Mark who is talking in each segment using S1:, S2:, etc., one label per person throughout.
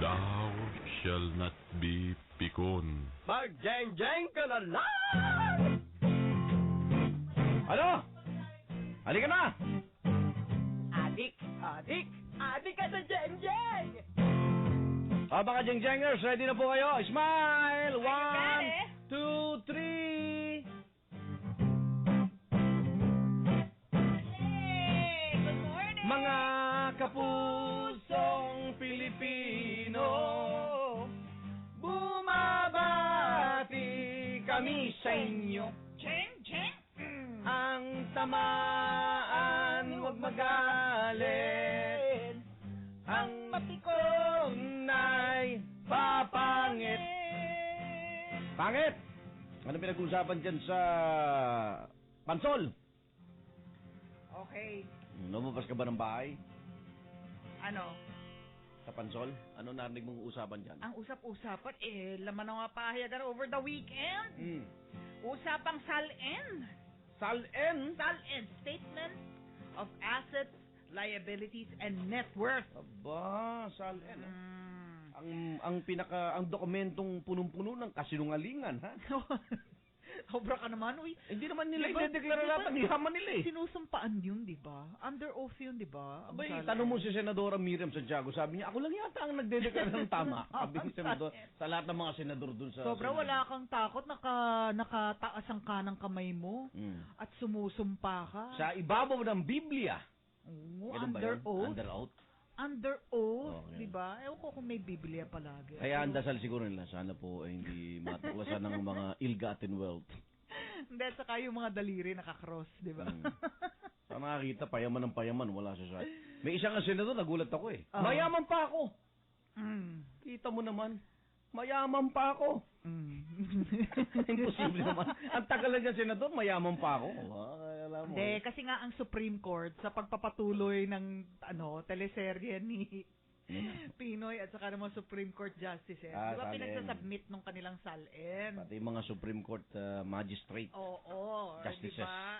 S1: Thou shall not be pikon.
S2: Mag-jeng-jeng ka na lang!
S3: Ano? Halika na!
S2: Adik ka sa jeng-jeng!
S3: Mga jeng-jengers, ready na po kayo? Smile! 1, 2, 3!
S4: Hey! Good morning!
S3: Mga kapusong Pilipino, bumabati kami sa inyo.
S4: Cheng, cheng!
S3: Ang tamaan, huwag magalit. Ang matikong na'y papangit. Pangit! Ano pinag-uusapan dyan sa Pansol?
S4: Okay.
S3: Lumabas ka ba ng bahay?
S4: Ano?
S3: Sa Pansol? Ano narinig mong usapan dyan?
S4: Ang usap-usapan, laman ng mga pahayagan over the weekend. Usapang SALN.
S3: SALN?
S4: SALN, Statement of Assets, Liabilities, and Net Worth.
S3: Aba, SALN. Ang dokumentong punong-puno ng kasinungalingan, ha?
S4: Sobra ka naman, uy.
S3: Hindi naman nila
S4: Diba?
S3: i-deklara lahat ang yaman nila eh.
S4: Sinusumpaan yun, di ba? Under oath yun, di ba? Ang
S3: Abay,
S4: SALN.
S3: tanong mo si Senadora Miriam Santiago, sabi niya, ako lang yata ang nagdedeklara ng tama. Sabi ni Senador, sa lahat ng mga senador dun sa...
S4: Sobra,
S3: Senado.
S4: wala kang takot, nakataas ang kanang kamay mo at sumusumpa ka.
S3: Sa ibabaw ng Biblia.
S4: Oo,
S3: Ganun ba
S4: under
S3: yun?
S4: oath.
S3: Under oath.
S4: Under oath,
S3: Okay.
S4: di ba? Ewan ko kung may Biblia palagi.
S3: Kaya ang dasal siguro nila, sana po ay hindi matuklasan ng mga ill-gotten wealth.
S4: Hindi, saka yung mga daliri nakakross, di ba?
S3: Sa nakakita, payaman ng payaman, wala siya sa... May isang senador, nagulat ako eh.
S4: Oo.
S3: Mayaman pa ako.
S4: Mm.
S3: Kita mo naman, mayaman pa ako. Imposible naman. Ang tagal na dyan, senador, mayaman pa ako. Alam mo.
S4: Hindi, kasi nga ang Supreme Court sa pagpapatuloy ng teleserye ni Pinoy at saka ng mga Supreme Court Justices. Di ba
S3: SALN.
S4: pinagsasubmit nung kanilang SALN?
S3: Pati yung mga Supreme Court magistrate.
S4: Oo,
S3: Justices.
S4: di ba?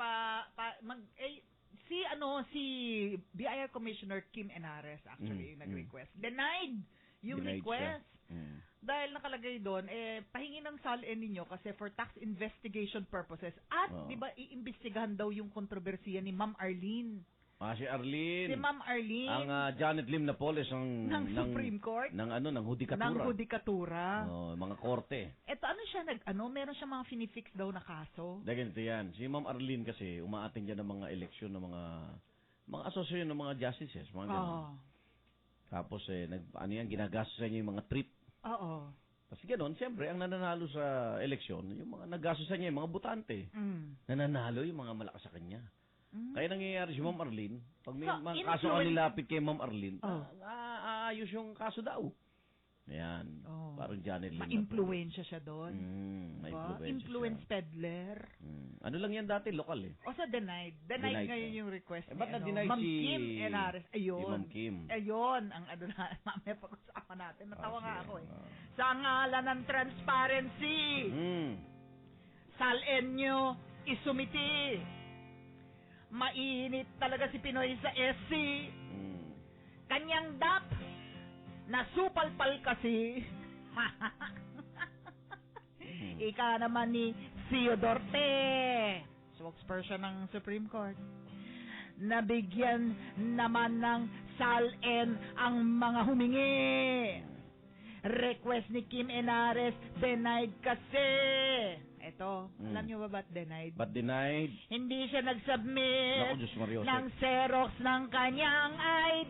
S4: Si BIR Commissioner Kim Enares actually yung nag-request. Denied yung
S3: Denied
S4: request.
S3: siya.
S4: Dahil nakalagay doon, pahingi ng SALN ninyo kasi for tax investigation purposes. At,
S3: Oo.
S4: di ba, iimbestigahan daw yung kontrobersiya ni Ma'am Arlene.
S3: Si Arlene.
S4: Si Ma'am Arlene.
S3: Ang Janet Lim Napoles
S4: ng Supreme Court.
S3: ng hudikatura.
S4: Ng hudikatura.
S3: Mga korte.
S4: Eto, meron siya mga finifix daw na kaso.
S3: Dahil ganito yan. Si Ma'am Arlene kasi, umaating dyan ng mga eleksyon ng mga asosasyon ng mga justices. Mga ganun.
S4: Oo.
S3: Tapos, ginagastos niya yung mga trip.
S4: Oo.
S3: Kasi gano'n, siyempre, ang nananalo sa eleksyon, yung mga naggastusan niya, yung mga butante. Nananalo yung mga malakas sa kanya. Kaya nangyayari si Ma'am Arlene, pag may
S4: So,
S3: mga kaso ang nilapit kay Ma'am Arlene,
S4: Oh.
S3: aayos yung kaso daw. Ayan.
S4: Oh.
S3: Parang Janet Lim.
S4: Ma-influensya siya doon.
S3: Ma-influensya
S4: Influence
S3: siya.
S4: peddler.
S3: Ano lang yan dati, lokal eh.
S4: O sa denied.
S3: Denied
S4: Ngayon
S3: siya.
S4: yung request
S3: Ba't
S4: ni
S3: na-deny
S4: Ma'am
S3: si...
S4: Kim Enares. Ayun.
S3: Si Ma'am Kim.
S4: Ayun, ang mamaya pag-usapan natin. Natawa nga
S3: sige.
S4: ako eh. Sa ngalan ng transparency, SALN nyo isumiti. Mainit talaga si Pinoy sa SC. Kanyang DAP, nasupalpal kasi. Ika naman ni Theodorte, spokesperson ng Supreme Court. Nabigyan naman ng SALN ang mga humingi. Request ni Kim Enares, denied kasi. Eto, alam nyo ba ba't denied?
S3: But denied.
S4: Hindi siya nag-submit
S3: Naku, Diyos Mario.
S4: ng Xerox ng kanyang ID.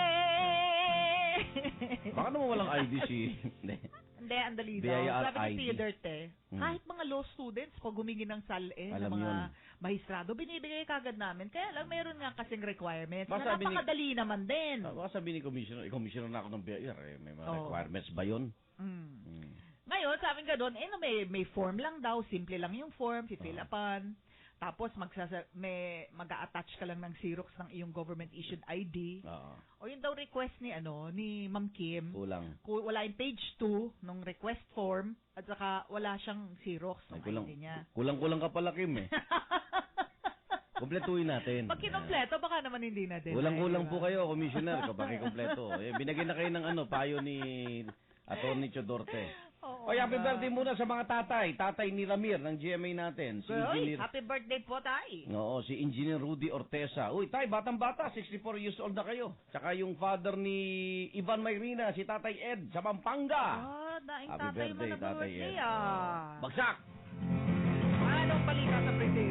S3: Baka naman walang ID si...
S4: Hindi, ang dali daw.
S3: BIR
S4: Sabi ni
S3: ID.
S4: Theodorte, kahit mga law students, pag humingi ng SALN, ng
S3: Alam
S4: mga
S3: yun.
S4: mahistrado, binibigay kagad namin. Kaya lang, meron nga kasing requirements
S3: Baka
S4: na
S3: sabi ni-
S4: napakadali naman din.
S3: Baka sabi ni Commissioner na ako ng BIR, may mga
S4: Oo.
S3: requirements ba yun?
S4: Ngayon, sabi nga doon, may form lang daw, simple lang yung form, si-fill upan. Tapos mag-a-attach ka lang ng Xerox ng iyong government-issued ID.
S3: Oo.
S4: O yun daw request ni Ma'am Kim.
S3: Kulang.
S4: Wala yung page 2 nung request form at saka wala siyang Xerox ng
S3: Ay,
S4: ID niya.
S3: Kulang-kulang ka pala, Kim eh. Kumpletuhin natin.
S4: Pag kinompleto, baka naman hindi na din.
S3: Kulang-kulang po kayo, Commissioner, kapag ikumpleto. Binagyan na kayo ng payo ni Atty. Chodorte.
S4: Oo,
S3: Oy, happy birthday muna sa mga tatay. Tatay ni Ramir ng GMA natin. Si
S4: Uy,
S3: Engineer...
S4: happy birthday po, tay.
S3: Oo, si Engineer Rudy Ortesa. Uy, tay, batang-bata, 64 years old na kayo. Tsaka yung father ni Ivan Mayrina, si Tatay Ed, sa Pampanga.
S4: Daing
S3: Happy
S4: tatay mo
S3: birthday,
S4: na
S3: Tatay
S4: birthday,
S3: Ed. Bagsak!
S4: Anong balita sa Brazil?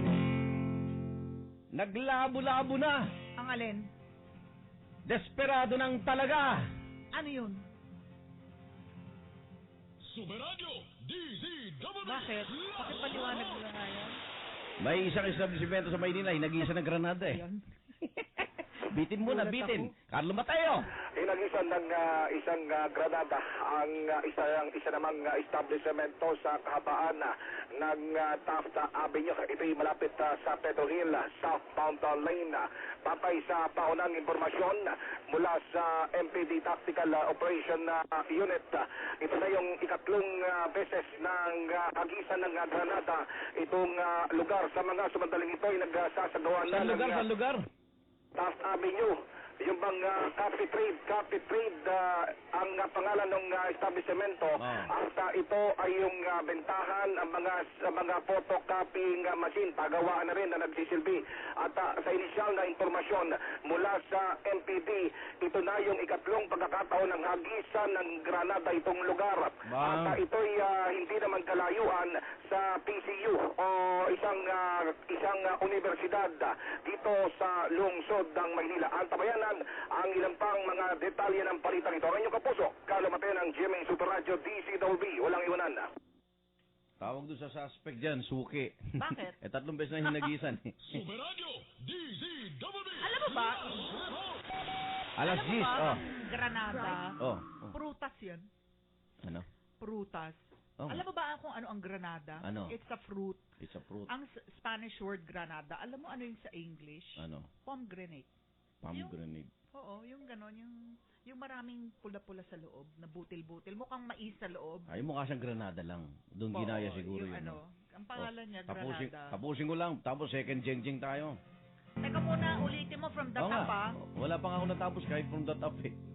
S3: Naglabo-labo na.
S4: Ang alin?
S3: Desperado ng talaga.
S4: Ano yun?
S1: Superadyo DZWB.
S4: Bakit? Pakipaliwanag mo nga yan.
S3: May isang establishmento sa Maynila, nag-iisa ng Granada eh.
S4: Ayun.
S3: Bitin muna,
S4: Gulat
S3: bitin.
S4: ako.
S3: Carlo Mateo.
S5: Inagisan ng isang granada ang isa namang establishmento sa kahabaan ng Taft Avenue. Ito'y malapit sa Pedro Hill, southbound lane. Patay sa paunang impormasyon mula sa MPD Tactical Operation Unit. Ito na yung ikatlong beses ng hagisan ng granada itong lugar. Sa mga sumandaling ito ay nagsasagawa na
S3: Saan lugar?
S5: Taft Avenue, yung bang Coffee Trade ang pangalan ng establishmento. At ito ay yung bentahan ang mga photocopying machine, pagawaan na rin na nagsisilbi. At sa inisyal na impormasyon mula sa MPD, ito na yung ikatlong pagkakataon ng hagisan ng granada itong lugar. At ito'y hindi naman kalayuan sa PCU o isang universidad dito sa lungsod ng Maynila. Antabayanan ang ilang pang mga detalye ng palitan ito. Ang inyong kapuso, Carlo Mateo ng GMA Super Radio DCWB. Walang iwanan.
S3: Tawag doon sa suspect dyan, suki.
S4: Bakit?
S3: 3 beses na hinagisan eh.
S1: Superadyo DZWB.
S4: Alam mo ba?
S3: Alas
S4: Alam mo
S3: 10,
S4: ba,
S3: oh.
S4: ang Granada,
S3: Oh.
S4: prutas yan.
S3: Ano?
S4: Prutas.
S3: Oh.
S4: Alam mo ba kung ano ang granada?
S3: Ano?
S4: It's a fruit.
S3: It's a fruit.
S4: Ang Spanish word granada, alam mo ano yung sa English?
S3: Ano?
S4: Pomegranate.
S3: Pomegranate.
S4: Oo, yung ganon, yung maraming pula-pula sa loob, na butil-butil, mukhang mais sa loob.
S3: Ay, mukha siyang Granada lang. Doon
S4: Oo,
S3: ginaya siguro
S4: yung
S3: yun.
S4: ano, ang pangalan niya,
S3: Tapusin,
S4: Granada.
S3: tapusin ko lang. Tapos second jeng-jeng tayo.
S4: Teka muna, ulitin mo from the
S3: Oo
S4: top,
S3: nga.
S4: ah.
S3: Wala pa nga ako natapos kahit from the top eh.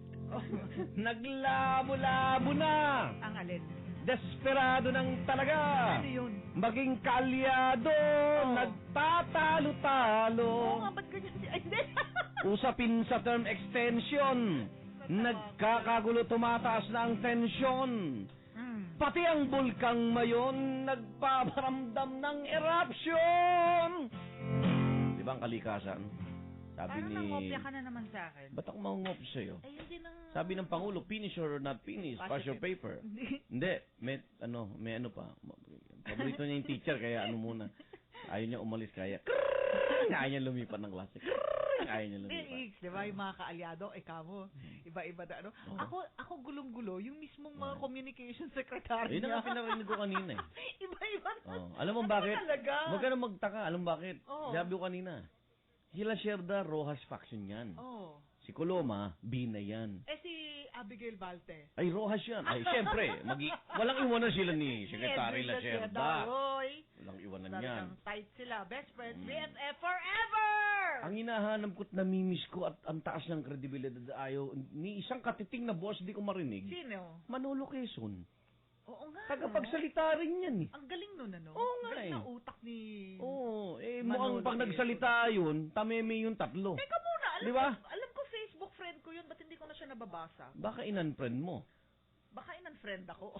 S3: Naglabo-labo na!
S4: Ang alin?
S3: Desperado ng talaga!
S4: Ano yun?
S3: Maging kalyado!
S4: Oo.
S3: Nagtatalo-talo!
S4: Oo nga, ba't ganyan siya? Ay, hindi.
S3: Usapin sa term extension. Nagkakagulo, tumataas na ang tensyon. Pati ang bulkang mayon nagpaparamdam ng eruption. Di ba ang kalikasan? Sabi
S4: Parang
S3: ni...
S4: nangopya ka na naman sa akin.
S3: Ba't ako mangungop sa'yo?
S4: Ay, hindi nang...
S3: Sabi ng Pangulo, finish or not finish, pass your paper. Hindi, may ano pa. Paborito niya yung teacher, kaya ano muna. Ayaw niya umalis, kaya... Ayaw niya lumipat ng klase. Ayaw niya lumipat.
S4: Hindi, di ba, yung mga kaalyado, kamo, iba-iba na ano. Ako gulong-gulo, yung mismong mga communication secretary
S3: Yun
S4: niya.
S3: ang pinarinig ko kanina eh.
S4: Iba-iba na.
S3: Alam mo bakit?
S4: Talaga?
S3: Huwag ka na magtaka. Alam mo bakit?
S4: Oo.
S3: Sabi ko kanina. Sila Sherda, Rojas faction yan.
S4: Oh.
S3: Si Coloma, Bina yan.
S4: Si Abigail Balte.
S3: Ay, Rojas yan. Ay, siyempre, walang iwanan sila ni Secretary La Sherda.
S4: Oy.
S3: Walang iwanan yan.
S4: Talagang tight sila. Best friends, BFF forever!
S3: Ang hinahanap ko't namimiss ko at ang taas ng kredibilidad ayaw, ni isang katiting na boss di ko marinig.
S4: Sino?
S3: Manolo Quezon.
S4: Oo nga.
S3: Tagapagsalita rin yan eh.
S4: Ang galing nun, ano?
S3: Oo nga
S4: galing
S3: eh.
S4: ng utak ni...
S3: Oo,
S4: Manolo
S3: mukhang pag
S4: Quezon.
S3: nagsalita yun, tameme yung tatlo.
S4: Teka muna,
S3: Di ba?
S4: alam ko Facebook friend ko yun, ba't hindi ko na siya nababasa?
S3: Baka in-unfriend mo.
S4: Baka in-unfriend ako.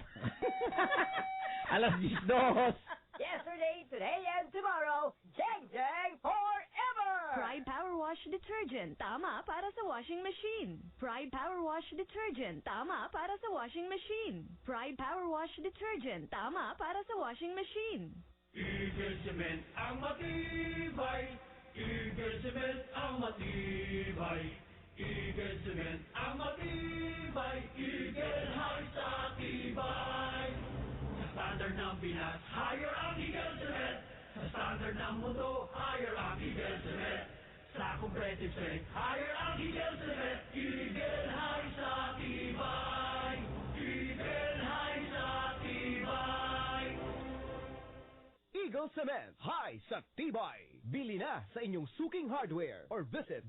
S3: Alas 10.
S2: Yesterday, today, and tomorrow, Jeng Jeng forever!
S6: Pride Power Wash Detergent, tama para sa washing machine. Pride Power Wash Detergent, tama para sa washing machine. Pride Power Wash Detergent, tama para sa washing machine.
S7: Eagle Cement ang matibay. Eagle Cement ang matibay. Eagle Cement ang matibay. Eagle High sa tibay. Sa standard ng Pinas, higher ang Eagle Cement. Sa standard ng mundo, higher ang Eagle Cement. Sa competitive strength, higher ang Eagle Cement. Eagle High sa tibay. Eagle High sa tibay.
S2: Eagle
S8: Cement. High sa tibay. Bili na sa inyong suking hardware or visit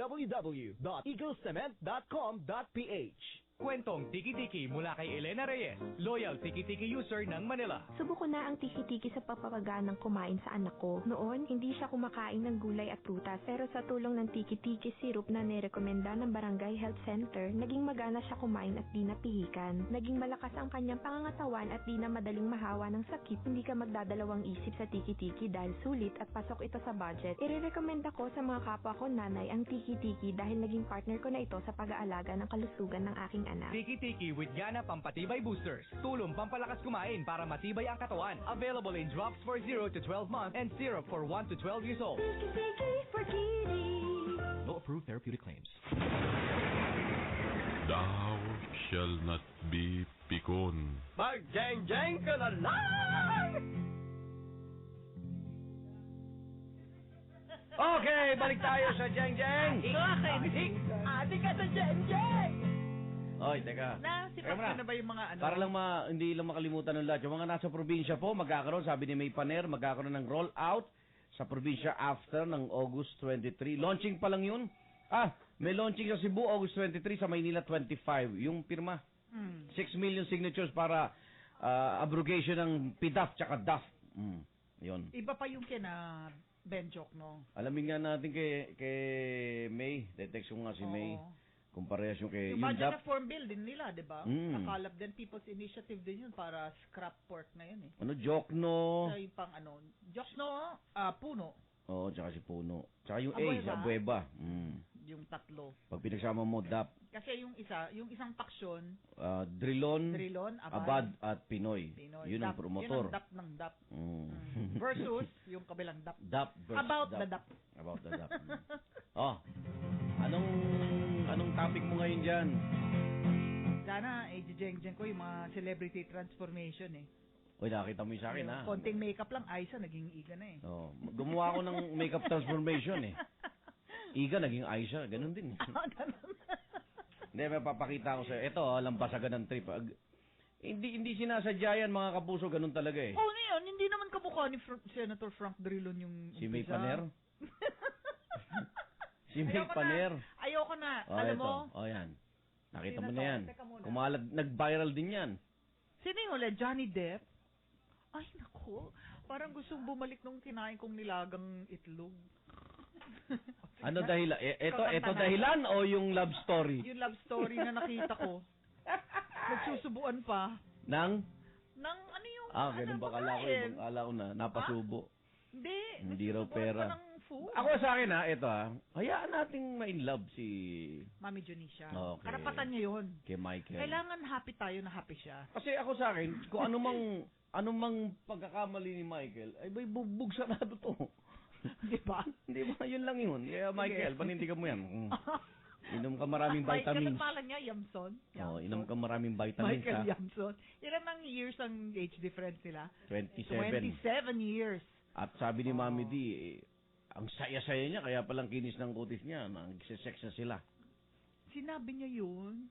S8: www.eaglecement.com.ph.
S9: Kwentong Tiki-Tiki mula kay Elena Reyes, loyal Tiki-Tiki user ng Manila.
S10: Subuko na ang tiki-tiki sa papapaganang kumain sa anak ko. Noon, hindi siya kumakain ng gulay at prutas. Pero sa tulong ng tiki-tiki syrup na nirekomenda ng Barangay Health Center, naging magana siya kumain at di napihikan. Naging malakas ang kanyang pangangatawan at di na madaling mahawa ng sakit. Hindi ka magdadalawang isip sa tiki-tiki dahil sulit at pasok ito sa budget. Irerekomenda ko sa mga kapwa ko nanay ang tiki-tiki dahil naging partner ko na ito sa pag-aalaga ng kalusugan ng aking anak.
S9: Tiki-Tiki with Gana Pampatibay Boosters. Tulong pampalakas kumain para matibay ang katawan. Available in drops for 0 to 12 months and syrup for 1 to 12 years old.
S10: Tiki-tiki for kiddies.
S9: No approved therapeutic claims.
S1: Thou shall not be pikon.
S8: Mag-jeng-jeng ka na lang!
S3: Okay, balik tayo sa Jeng Jeng.
S2: Ate ka sa Jen-Jen!
S3: Oy, teka.
S4: Sipas
S3: Teka
S4: na ba yung mga ano?
S3: Para lang hindi lang makalimutan ng lahat. Yung mga nasa probinsya po, magkakaroon, sabi ni May Paner, magkakaroon ng roll-out sa probinsya after ng August 23. Launching pa lang yun. May launching sa Cebu, August 23, sa Maynila 25. Yung pirma. 6 million signatures para abrogation ng PDAF tsaka DAF. Yun.
S4: Iba pa yung kina Benjok, no?
S3: Alamin nga natin kay May. Detext ko nga si May. Kung parehas yung kay...
S4: Yung budget
S3: DAP,
S4: na form bill din nila, di ba? Nakalap din People's Initiative din yun para scrap pork na yun eh.
S3: Jokno.
S4: Sa yung pang Jokno, Puno.
S3: Oo, tsaka si Puno. Tsaka yung
S4: Abueva.
S3: Abueva.
S4: Yung tatlo.
S3: Pag pinagsama mo, DAP,
S4: Kasi yung isang paksyon,
S3: Drilon,
S4: Abad,
S3: at Pinoy. Yun ang promotor.
S4: Yun ang DAP ng DAP. Versus yung kabilang DAP.
S3: DAP versus
S4: About
S3: DAP.
S4: the DAP.
S3: About the DAP. Anong topic mo ngayon dyan?
S4: Sana, jeng-jeng ko yung mga celebrity transformation eh.
S3: Uy, nakita mo yung sa akin, ha?
S4: Konting makeup lang, Aiza, naging Iga na eh.
S3: Gumawa ako ng makeup transformation, eh. Iga, naging Aisha. Ganun din.
S4: Ganun.
S3: Hindi, may papakita ko sa'yo. Ito, lampasagan ng trip. Hindi sinasadya yan, mga kapuso. Ganun talaga, eh.
S4: Ngayon, hindi naman kamukha ni Senator Frank Drilon yung...
S3: Si May Paner? Si May Paner.
S4: Ayoko na. Alam mo?
S3: Yan. Nakita mo na yan. Nag-viral din yan.
S4: Sino yung ulit? Johnny Depp? Ay, naku. Parang gustong bumalik nung kinain kong nilagang itlog.
S3: Ano dahilan? Ito dahilan o yung love story?
S4: Yung love story na nakita ko. Nagsusubuan pa.
S3: Nang
S4: ano yung...
S3: ganun ba? Kala ko na, napasubo. Hindi raw pera.
S4: Food.
S3: Ako sa akin ito hayaan nating ma-in love si
S4: Mami Junicia.
S3: Okay.
S4: Karapatan niya yun.
S3: Kay Michael.
S4: Kailangan happy tayo na happy siya.
S3: Kasi ako sa akin, kung anumang pagkakamali ni Michael, ay may bugbog sarado to.
S4: Di ba?
S3: Hindi ba? Yun lang yun. Kaya Michael, panindigan mo yan. Inom ka maraming vitamins.
S4: Michael, pala niya, Yamson.
S3: Inom ka maraming vitamins.
S4: Michael Yamson. Ilan ang years ang age difference nila?
S3: 27
S4: years.
S3: At sabi ni Mami D, ang saya-saya niya, kaya palang kinis ng kutis niya. Nagsisex na sila.
S4: Sinabi niya yun?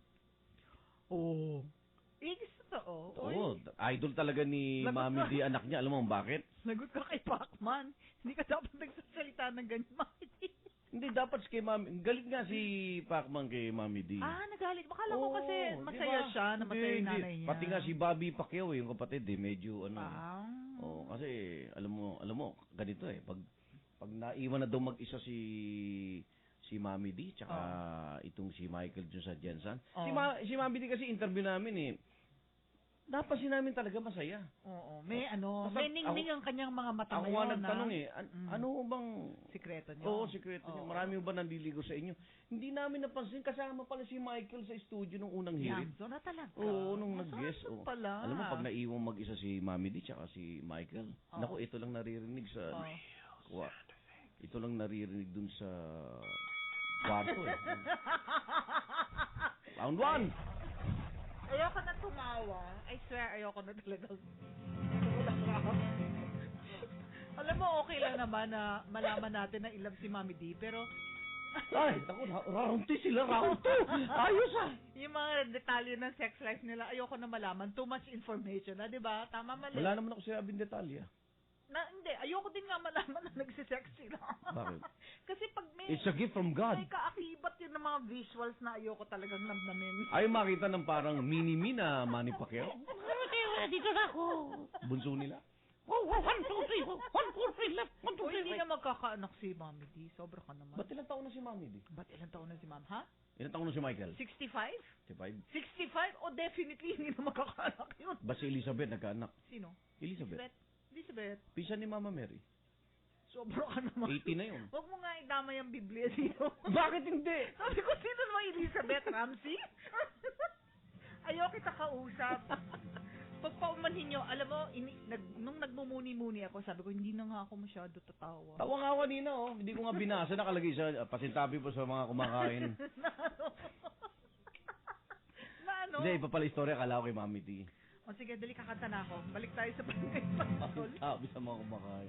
S3: Oo. Idol talaga ni Mami D, anak niya. Alam mo bakit?
S4: Nagot ka kay Pacman. Hindi ka dapat nagsasalita ng ganyan, Mami D.
S3: Hindi, dapat kay Mami. Galit nga si Pacman kay Mami D.
S4: Nagalit. Bakala ko kasi masaya
S3: diba?
S4: siya, na masaya yung nanay niya.
S3: Pati nga si Bobby Pacquiao, yung kapatid, medyo kasi alam mo, ganito pag naiwan na daw mag-isa si Mami D tsaka itong si Michael dun sa Jensen. Si Mami D kasi interview namin napansin namin talaga masaya.
S4: May ningning ang kanyang mga mata ngayon.
S3: Ako nga nagtanong ano bang
S4: sikreto niyo?
S3: Oo, sikreto niyo. Marami ba nandiligo sa inyo? Hindi namin napansin, kasama pala si Michael sa studio nung unang hearing.
S4: Yamso na talaga.
S3: Oo, nung nag-guest.
S4: Pala.
S3: Alam mo, pag naiwang mag-isa si Mami D tsaka si Michael, naku, ito lang naririnig sa... Ito lang naririnig dun sa kwarto Round 1!
S4: Ayoko na tumawa. I swear, ayoko na talaga. Alam mo, okay lang naman na malaman natin na ilab si Mami D, pero...
S3: Ay, naku, round 2 sila, round 2! Ayos
S4: Yung mga detalye ng sex life nila, ayoko na malaman. Too much information, di ba? Tama, mali.
S3: Wala naman ako sinabing detalye.
S4: Hindi, ayoko din nga malaman na nagsisex sila.
S3: Bakit?
S4: Kasi pag may...
S3: It's a gift from God.
S4: May kaakibat yun ng mga visuals na ayoko talagang namnamin.
S3: Ay, makita ng parang mini-me na Manny Pacquiao.
S4: Dito na ako.
S3: Bunso nila.
S4: 1, 2, 3, 1, 4, 3, left, 1, 2, 3, hindi na magkakaanak si Mami D. Sobra ka naman.
S3: Ba't ilang taon na si Mami D?
S4: Ba't ilang taon na si Ma'am, ha?
S3: Ilang taon na si Michael?
S4: 65?
S3: 65?
S4: 65? O definitely hindi na magkakaanak yun.
S3: Ba si Elizabeth nagkaanak?
S4: Sino?
S3: Elizabeth.
S4: Elizabeth.
S3: Pisa ni Mama Mary.
S4: Sobra ka naman.
S3: 80 na yun.
S4: Huwag mo nga idamay ang Biblia dito.
S3: Bakit hindi?
S4: Sabi ko, sino naman Elizabeth Ramsey? Ayaw kita kausap. Pagpaumanhin nyo, alam mo, nung nagmumuni-muni ako, sabi ko, hindi na nga ako masyado tatawa.
S3: Tawa nga kanina, oh. Hindi ko nga binasa. Nakalagay sa pasintabi po sa mga kumakain.
S4: Na ano?
S3: Hindi, iba pala istorya. Kala ko kay Mami T.
S4: O sige, dali kakanta na ako. Balik tayo sa barangay patrol.
S3: Sabi sa mga kumakain.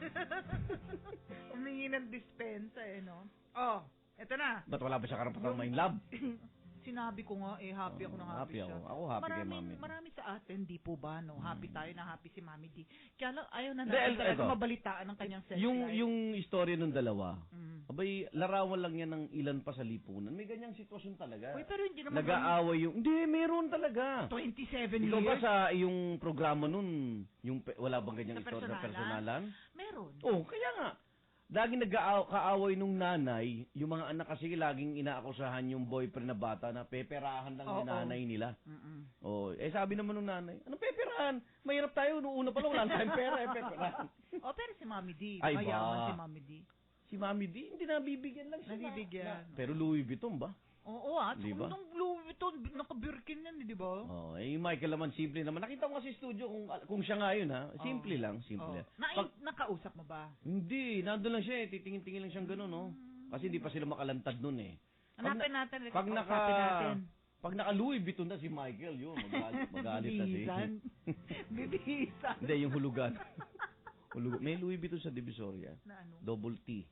S4: Umingi ng dispensa no? Oh, eto na.
S3: Ba't wala ba siya karapatang ma-in love?
S4: Sinabi ko nga, happy ako na happy siya.
S3: Ako happy kay Mami.
S4: Marami sa atin, di po ba, no? Happy tayo na happy si Mami D. Kaya lang, ayaw na
S3: natin
S4: talaga mabalitaan ng kanyang sex life.
S3: Yung istorya ng dalawa, abay, larawan lang yan ng ilan pa sa lipunan. May ganyang sitwasyon talaga.
S4: Uy, pero hindi naman...
S3: Nag-aaway yung... Hindi, meron talaga.
S4: 27 years?
S3: Ikaw ba sa yung programa nun, wala bang ganyang istorya sa personalan?
S4: Meron.
S3: Oh, kaya nga. Laging nag-kaaway nung nanay, yung mga anak kasi laging inaakusahan yung boyfriend na bata na peperahan lang yung nanay nila. Oh, sabi naman nung nanay, anong peperahan? Mahirap tayo, noong una pa lang wala tayong pera, peperahan.
S4: Pero si Mami D,
S3: Ay,
S4: mayaman si Mami D.
S3: Si Mami D, hindi nabibigyan lang siya.
S4: Nabibigyan.
S3: Pero Louis Vuitton ba?
S4: Oo,
S3: diba?
S4: Nung Louis Vuitton, naka-Birkin yan, di ba?
S3: Oh, yung Michael naman, simple naman. Nakita ko kasi studio kung siya nga yun, ha? Simple lang, simple.
S4: Nakausap mo ba?
S3: Hindi, nandun lang siya, titingin-tingin lang siyang gano'n, no? Kasi hindi pa sila makalantad nun, eh.
S4: Hanapin natin.
S3: Pag naka Louis Vuitton na si Michael, yun, magalit na siya.
S4: Bibihisan.
S3: Hindi, yung hulugan. May Louis Vuitton sa Divisoria.
S4: Na ano?
S3: Double T.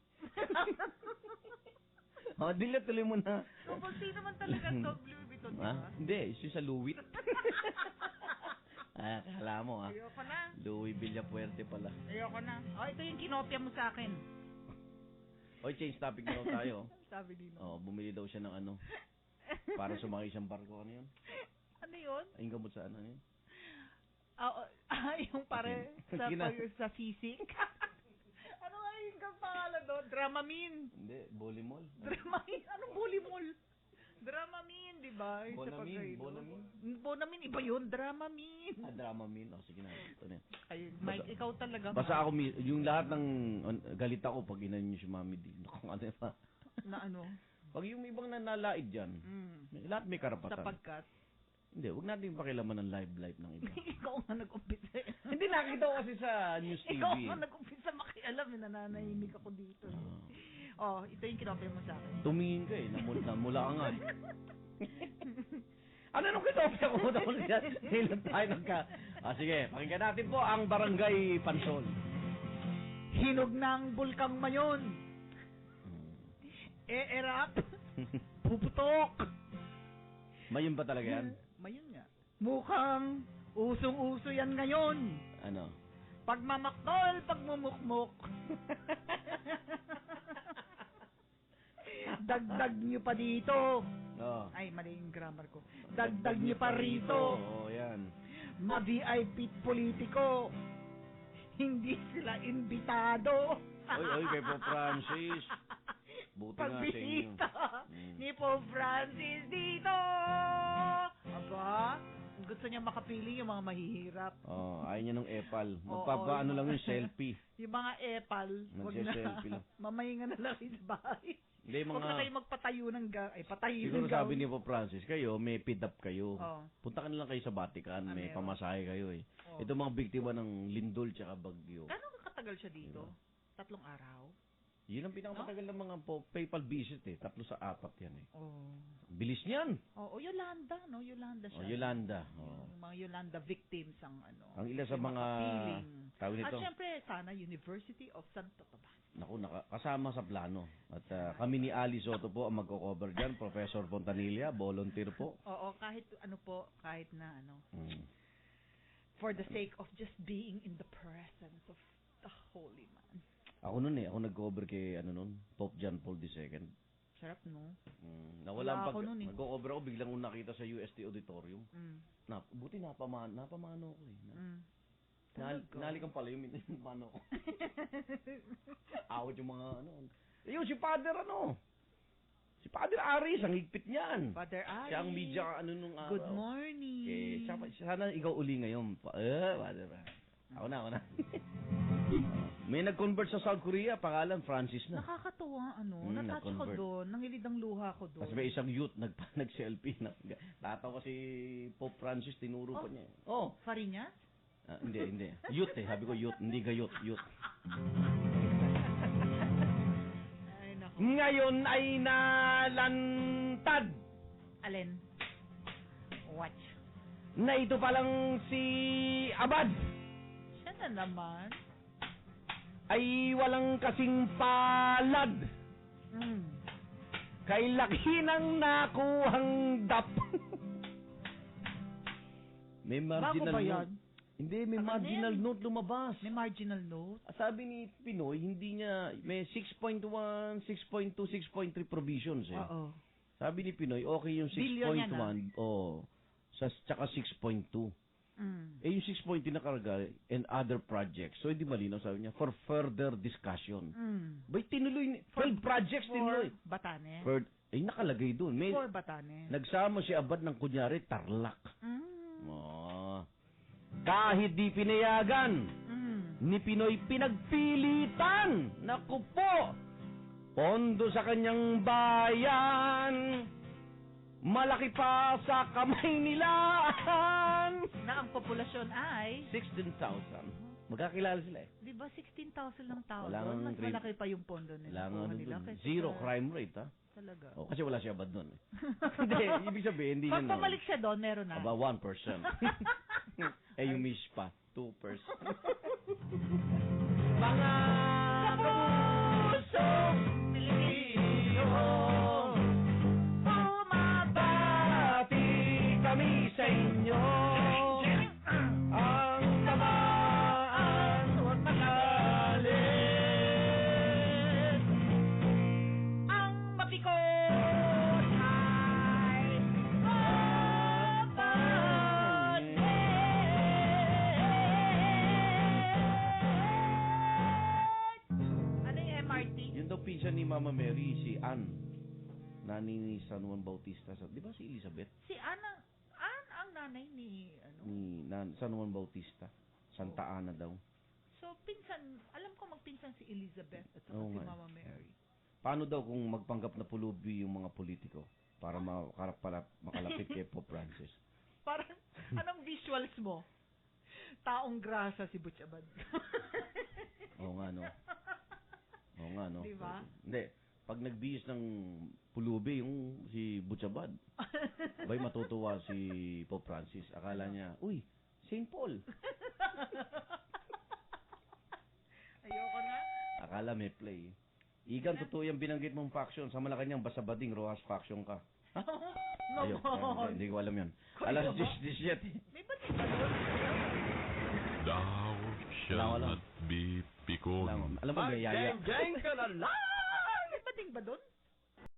S3: Dilat tuloy mo na.
S4: Double T naman talaga Louis Vuitton, di ba?
S3: Hindi, isa sa Louis. Kala mo, ha?
S4: Ayoko na.
S3: Louis Villapuerte pala.
S4: Ayoko na. Ito yung kinopya mo sa akin.
S3: Change topic na daw tayo.
S4: Sabi din.
S3: Bumili daw siya ng ano. Para sumakay siyang barko. Ano yun?
S4: Ano yun?
S3: Yung gamot sa ano yun?
S4: Yung pare sa sisik. Ano nga yung pangalan doon? Dramamine.
S3: Hindi, Bolimol.
S4: Dramamine? Anong Bolimol? Dramamine, di ba? Bonamine, iba yun. Dramamine.
S3: Dramamine. Sige na. Ito na.
S4: Ay, Mike, ikaw talaga.
S3: Basta ako, yung lahat ng galit ako pag inan niyo si Mami D. Kung ano pa.
S4: Na ano?
S3: Pag yung ibang nanalaid dyan, lahat may karapatan.
S4: Sapagkat?
S3: Hindi, huwag natin pakilaman ng life ng iba.
S4: Ikaw nga nag-umpisa.
S3: Hindi, nakita ko kasi sa News TV.
S4: Ikaw nga nag-umpisa makialam. Nananahimik ako dito. Ito yung kinopya mo sa akin.
S3: Tumingin ka namula ka nga. Ano nung kinopya ko? Hilan tayo sige, pakinggan natin po ang Barangay Pansol.
S4: Hinog ng bulkang Mayon. Erap. Puputok.
S3: Mayon ba talaga yan?
S4: Mayon nga. Mukhang usong-uso yan ngayon.
S3: Ano?
S4: Pagmamaktol, pagmumukmuk. Dagdag nyo pa dito. Ay, mali yung grammar ko. Dagdag nyo pa rito.
S3: Yan.
S4: Ma-VIP politiko. Hindi sila imbitado.
S3: Oy, kay Pope Francis. Buti nga sa inyo.
S4: Ni Pope Francis dito. Aba, gusto niya makapili yung mga mahihirap.
S3: Ayaw niya ng epal. Magpapaano lang yung selfie.
S4: Yung mga epal, wag na. Mamahinga na lang sa bahay. Huwag na kayo magpatayo ng patayin.
S3: Siguro sabi ni Pope Francis, kayo, may feed up kayo. Punta ka na lang kayo sa Vatican, may pamasahe kayo eh. Ito mga biktima ng lindol tsaka bagyo.
S4: Gano'ng katagal siya dito? 3 araw?
S3: Yun ang pinakamatagal ng mga PayPal visit eh. 3 sa 4 yan eh. Bilis niyan.
S4: Yolanda, no? Yolanda siya.
S3: Yolanda.
S4: Yung mga Yolanda victims ang ano.
S3: Ang ilan sa mga tawag nito.
S4: At syempre, sana University of Santo Tomas.
S3: Naku, kasama sa plano. At kami ni Ali Soto po ang magko-cover dyan. Professor Fontanilla, volunteer po.
S4: Kahit na ano. For the sake of just being in the presence of The holy man.
S3: Ako nag-cover kay, Pope John Paul II.
S4: Sarap, no?
S3: Nawala
S4: Wala ako nun eh.
S3: Nag-cover ako, biglang kong nakita sa UST Auditorium.
S4: Mm.
S3: Buti napamano ako eh. Nalikan pala yung mano ko. Awat yung mga Yung si Father Si Father Aris, ang higpit niyan.
S4: Father Aris.
S3: Siya ang media nung araw.
S4: Good morning.
S3: Okay, sana ikaw uli ngayon. Father. Ako na. May nag-convert sa South Korea, pangalan Francis na.
S4: Nakakatuwa, natouch ko doon, nangilid ang luha ko doon.
S3: Kasi may isang youth nag-selfie na. Tatawa si Pope Francis, tinuro pa niya.
S4: Fariñas?
S3: Hindi. Youth sabi ko youth, hindi gayot, youth.
S4: Ay, naku.
S3: Ngayon ay nalantad.
S4: Alin? Watch.
S3: Na ito palang si Abad
S4: Siya na naman.
S3: ay walang kasing palad. Kay laki ng nakuhang dap. May marginal
S4: Bago ba yan?
S3: note. Hindi, may marginal note lumabas.
S4: May marginal note?
S3: Sabi ni Pinoy, hindi niya, may 6.1, 6.2, 6.3 provisions eh.
S4: Oo.
S3: Sabi ni Pinoy, okay yung 6.1. Tsaka 6.2. Yung 6.2 nakarga and other projects. So, hindi malinaw, sabi niya, for further discussion. Bay, tinuloy, 12 projects tinuloy.
S4: Batanes?
S3: Nakalagay doon.
S4: For Batanes.
S3: Nagsama si Abad ng kunyari, Tarlac. Kahit di pinayagan, ni Pinoy pinagpilitan. Naku po, pondo sa kanyang bayan. Malaki pa sa kamay nila.
S4: Na ang populasyon ay
S3: 16,000. Magkakilala sila eh.
S4: Di ba 16,000 lang tao
S3: Wala
S4: doon? Mas
S3: nang
S4: malaki pa yung pondo nila.
S3: Zero crime rate ha.
S4: Talaga.
S3: Kasi wala siya Abad doon eh. Hindi, ibig sabihin, hindi
S4: Pag
S3: niya
S4: pumalik siya doon, meron na.
S3: Aba, 1%. Yung miss pa, 2%. Mga kapusong Pilipino, bumabati kami sa inyo. Ang tamaan huwag magalit.
S4: Ang mapikot ay ano yung MRT?
S3: Yun daw pinsan ni Mama Mary, si Ann. Nani ni San Juan Bautista. Di ba si Elizabeth?
S4: Si Ana ang nanay ni
S3: San Juan Bautista. Santa Ana daw.
S4: So, pinsan, alam ko magpinsan si Elizabeth at saka
S3: Oo
S4: si
S3: nga.
S4: Mama Mary.
S3: Paano daw kung magpanggap na pulubi yung mga politiko para makalapit kay Pope Francis?
S4: Parang, anong visuals mo? Taong grasa si Butch Abad.
S3: Oo nga, no?
S4: Diba?
S3: Hindi. Pag nagbihis ng pulubi yung si Butchabad, abay matutuwa si Pope Francis. Akala niya, uy, St. Paul.
S4: Ayoko na.
S3: Akala may play. Igan, totoo yung binanggit mong faction. Sa Malacanang, Basabading, Rojas faction ka. Hindi ko alam yun. Alas 17.
S4: May ba't ba doon?
S1: Thou shall not be pikon.
S3: Alam mo, gayaya.
S8: Jeng ka na lang!
S4: May bating ba doon?